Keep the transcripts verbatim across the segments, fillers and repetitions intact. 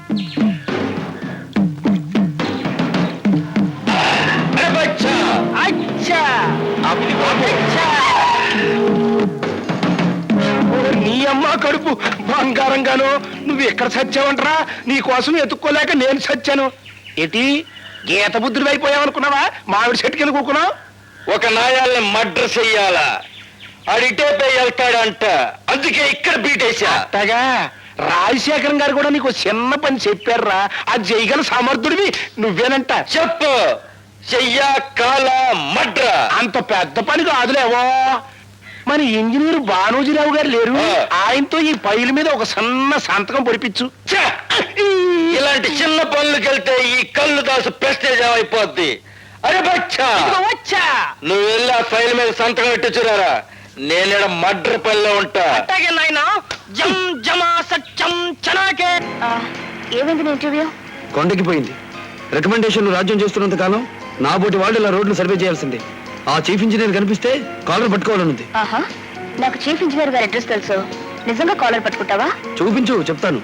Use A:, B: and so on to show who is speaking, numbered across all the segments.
A: నీ అమ్మ కడుపు బంగారంగాను నువ్వు ఎక్కడ చచ్చావంటరా? నీ కోసం ఎత్తుక్కోలేక నేను చచ్చాను. ఏంటి గీత బుద్ధుడు అయిపోయావనుకున్నావా? మామిడి చెట్టు కింద కూకున్నావు.
B: ఒక నాయాల్ని మర్డర్ చెయ్యాలా, అడిటేపై వెళ్తాడంట, అందుకే ఇక్కడ బీటేశా.
A: అట్టగా రాజశేఖరం గారు కూడా నీకు చిన్న పని చెప్పారా? అది చేయగల సమర్థుడివి నువ్వేనంట.
B: చెప్పు, చెయ్యా కాల మడ్ర.
A: అంత పెద్ద పని కాదులేవో. మన ఇంజనీర్ బానోజీరావు గారు లేరు, ఆయనతో ఈ పైల మీద ఒక సన్న సంతకం పొడిపించు.
B: ఇలాంటి చిన్న పనులకు వెళ్తే ఈ కళ్ళు దాసు ప్రెస్టేజ్ అయిపోద్ది. అరే బచ్చా,
A: వచ్చా
B: నువ్వు వెళ్ళి ఆ ఫైల్ మీద సంతకం పెట్టి చూరారా, నేను మడ్ర పనిలో ఉంటా.
A: అట్టాగే నాయనా. జం జమా సత్యం చనాకే.
C: ఏమైంది ఇంటర్వ్యూ?
D: కొండకిపోయింది. రికమెండేషన్లు రాజ్యం చేస్తున్నంత కాలం నా బోటి వాళ్ళు ఇలా రోడ్లు సర్వే చేయాల్సిందే. ఆ చీఫ్ ఇంజనీర్ కనిపిస్తే కాలర్ పట్టుకోవాలనుంది.
C: ఆహా, నాకు చీఫ్ ఇంజనీర్ గారి అడ్రస్ తెలుసు. నిజంగా కాలర్ పట్టుకుంటావా?
D: చూపించు, చెప్తాను.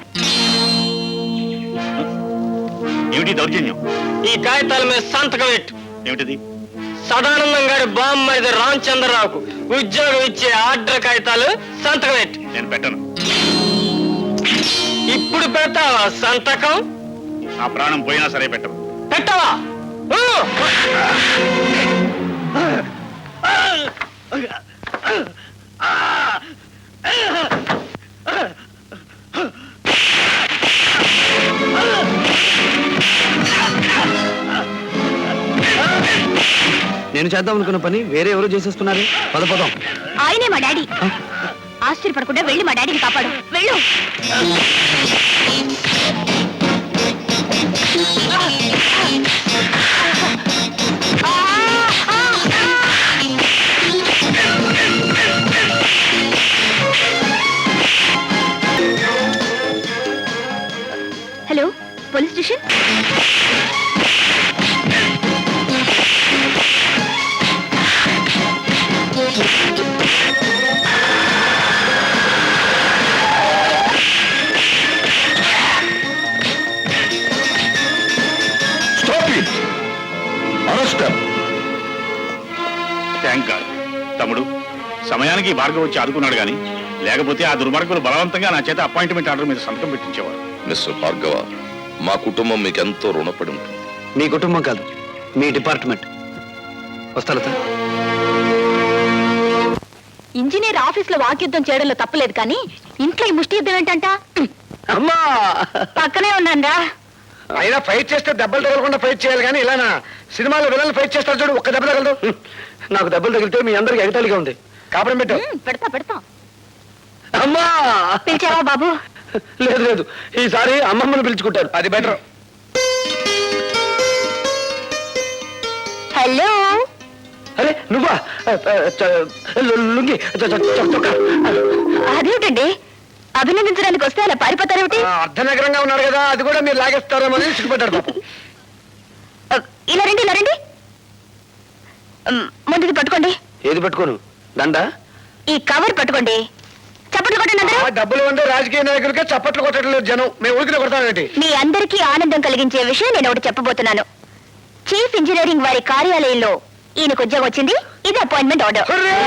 E: ఏమిటి దౌర్జన్యం?
B: ఈ కాగితాల మీద సంతకం పెట్టు.
E: ఏమిటిది?
B: సదానందం గారి బామ్మది రామచంద్రరావుకు ఉద్యోగం ఇచ్చే ఆర్డర్ కాగితాలు సంతకం పెట్టు.
E: నేను పెట్టను.
B: ఇప్పుడు పెడతావా సంతకం?
E: ఆ ప్రాణం పోయినా సరే పెట్టను.
B: పెట్టవా?
D: నేను చేద్దాం అనుకున్న పని వేరే ఎవరు చేసేస్తున్నారు. పద పదం.
C: ఆయనే మా డాడీ. ఆశ్చర్యపడకుండా వెళ్ళి మా డాడీని కాపాడు. వెళ్ళు. Hello, police station.
E: Thank God. తమ్ముడు, సమయానికి భార్గవ్ వచ్చి ఆదుకున్నాడు గాని లేకపోతే ఆ దుర్మార్గులు బలవంతంగా నా చేత అపాయింట్మెంట్ ఆర్డర్ మీద సంతకం పెట్టించేవారు.
F: మిస్టర్ భార్గవ, మా కుటుంబం మీకెంతో రుణపడి ఉంటుంది.
D: మీ కుటుంబం కాదు, మీ డిపార్ట్మెంట్. వస్తా లత.
C: ఇంజనీర్ ఆఫీస్ లో వాక్యుద్ధం చేయడంలో తప్పలేదు, కానీ ఇంట్లో ఈ ముష్టి యుద్ధం ఏంటంట?
A: అమ్మా
C: పక్కనే ఉన్నారా?
A: అయినా ఫైట్ చేస్తే దెబ్బలు తగలకుండా ఫైట్ చేయాలి కానీ ఇలానా? సినిమాలో విలన్లు ఫైట్ చేస్తారు చూడు, ఒక్క దెబ్బ తగలదు.
D: నాకు దెబ్బలు తగిలితే మీ అందరికి ఎగతాళిగా ఉంది.
A: కాపురం పెట్టు.
C: పెడతా పెడతా.
D: అమ్మా!
C: పిలిచావా బాబు?
D: లేదు లేదు, ఈసారి అమ్మమ్మను పిలుచుకుంటారు, అది బెటర్.
C: హలో.
D: అరే నువ్వా? లుంగి
C: అదేమిటండి, అభినందించడానికి వస్తే అలా పారిపోతారేమిటి?
A: అర్ధనగరంగా ఉన్నాడు కదా, అది కూడా మీరు లాగేస్తారేమో అని సిగ్గుపడ్డాడు పాపం.
C: ఇలా రండి, ఇలా రండి. ముందుది పట్టుకోండి.
D: ఏది పట్టుకోను? దండ?
C: ఈ కవర్ పట్టుకోండి. చప్పట్లు కొట్టండి అందరూ.
A: డబ్బులు ఉండే రాజకీయ నాయకులకే చప్పట్లు కొట్టడం లేదు జనం, మేము ఊరికి కొడతామేంటి?
C: మీ అందరికీ ఆనందం కలిగించే విషయం నేను ఒకటి చెప్పబోతున్నాను. చీఫ్ ఇంజనీరింగ్ వారి కార్యాలయంలో ఈయనకు ఉద్యోగం వచ్చింది. ఇది అపాయింట్మెంట్ ఆర్డర్.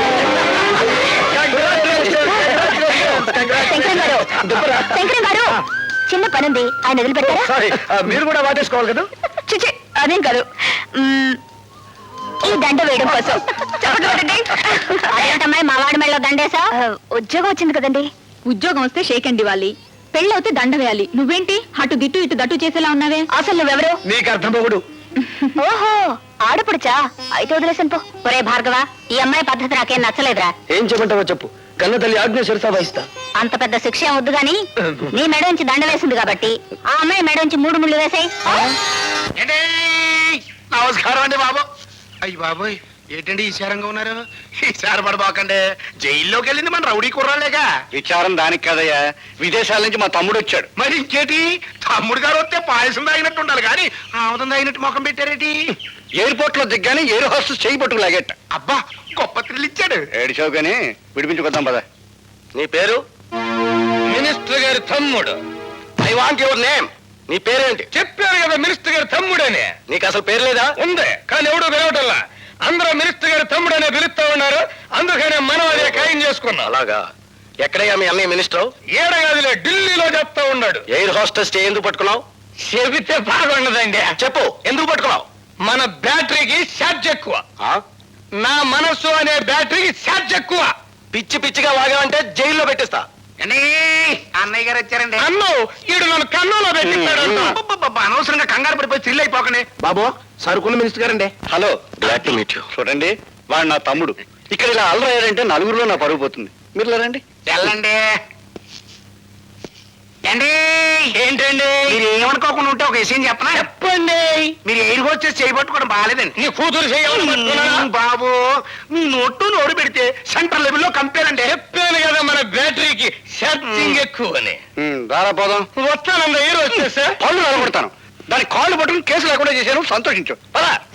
C: శంకరం గారు, శంకరం గారు, చిన్న పనుంది, ఆయన వదిలిపెట్టారా?
A: మీరు కూడా వాటేసుకోవాలి కదా.
C: చిచి, అదేం కాదు. ఈ దండ వేయడం కోసం. అదేంటమ్మాయి మా వాడి మెళ్ళలో దండేసా? ఉద్యోగం వచ్చింది కదండి. ఉద్యోగం వస్తే షేక్ అండ్ ఇవ్వాలి, పెళ్ళవుతే దండ వేయాలి. నువ్వేంటి అటు దిట్టు ఇటు దట్టు చేసేలా ఉన్నావే? అసలు నువ్వెవరు?
A: నీకు అర్థం పోగుడు.
C: ఓహో, ఆడపడుచా? అయితే వదిలేసాను పో. ఒరే భార్గవ, ఈ అమ్మాయి పద్ధతి నాకేం నచ్చలేదురా.
D: ఏం చెప్పంటావో చెప్పు, కన్న తల్లి ఆజ్ఞ శిరసా వహిస్తా.
C: అంత పెద్ద శిక్ష ఏం వద్దు గాని, నీ మెడ నుంచి దండ వేసింది కాబట్టి ఆ అమ్మాయి మెడ నుంచి మూడు ముళ్ళు వేసాయి.
A: నమస్కారం అండి బాబు. అయ్యి బాబోయ్, ఏంటండి ఈశారంగా ఉన్నారు? ఈసారి పడబాకండి, జైల్లోకి వెళ్ళింది మన రౌడీ కుర్రాలేగా.
B: విచారం దానికి కదయ్యా, విదేశాల నుంచి మా తమ్ముడు వచ్చాడు.
A: మరి ఇంకేటి, తమ్ముడు గారు వస్తే పాయసం తాగినట్టు ఉండాలి కానీ ఆముదం తాగినట్టు ముఖం పెట్టారేటి?
B: ఎయిర్పోర్ట్ లో దిగ్గానే ఎయిర్ హోస్టెస్ చేయి పట్టుకు లాగేట.
A: అబ్బా, గొప్ప థ్రిల్ ఇచ్చాడు.
B: ఏడిచావు కానీ విడిపించుకొద్దాం పద. నీ పేరు?
A: మినిస్టర్ గారి తమ్ముడు.
B: I want your name. నీ పేరేంటి?
A: చెప్పారు కదా మినిస్టర్ గారి తమ్ముడని.
B: నీకు అసలు పేరు లేదా?
A: ఉంది, కానీ ఎవడు పిలవటల్లా. అందరూ మినిస్టర్ గారి తమ్ముడనే పిలుస్తా ఉన్నారు, అందుకనే మనం అదే ఖాయం చేసుకున్నాం.
B: అలాగా. ఎక్కడయ్యా మీ అన్నయ్య మినిస్టర్?
A: ఏడగాదిలే ఢిల్లీలో చెప్తా ఉన్నాడు.
B: ఎయిర్ హోస్టెస్ చే ఎందుకు పట్టుకున్నావు?
A: చెబితే బాగుండదండి.
B: చెప్పు, ఎందుకు పట్టుకున్నావు?
A: మన బ్యాటరీకి ఛార్జ్ ఎక్కువ.
B: ఆ?
A: నా మనస్సు అనే బ్యాటరీకి ఛార్జ్ ఎక్కువ.
B: పిచ్చి పిచ్చిగా వాగావంటే జైల్లో పెట్టిస్తా.
A: అన్నయ్య గారు వచ్చారండి. అన్ను ఈడు నన్ను కన్నులో పెట్టిస్తాడు. అనవసరంగా కంగారు పడిపోయి థ్రిల్ అయిపోకనే. బాబు, సరుకున్న మినిస్టర్ గారండి.
B: Hello, glad to meet you.
D: చూడండి, వాడు నా తమ్ముడు. ఇక్కడ ఇలా అల్లరయ్యారంటే నలుగురిలో నా పరుగు పోతుంది. మీరు రండి.
A: వెళ్ళండి. ఏంటి ఏంటండి మీరు ఏమనుకోకుండా ఉంటే ఒక విషయం చెప్పనా? చెప్పండి. మీరు ఎయిర్ హోస్టెస్ చేయబట్టుకోవడం బాగాలేదండి. నీ కూతురు చేయాలి బాబు. మీ నోట్టు నోరు పెడితే సెంట్రల్ లెవెల్లో కంపేర్ అంటే. చెప్పాను కదా మన బ్యాటరీకి ఛార్జింగ్ ఎక్కువ అని.
D: రారా పోదాం.
A: వస్తానండి ఎయిర్ హోస్టెస్.
D: పళ్ళు నిలబడతాను. దాని కాళ్ళు పట్టుకుని కేసు లేకుండా చేశాను, సంతోషించు.
A: పద.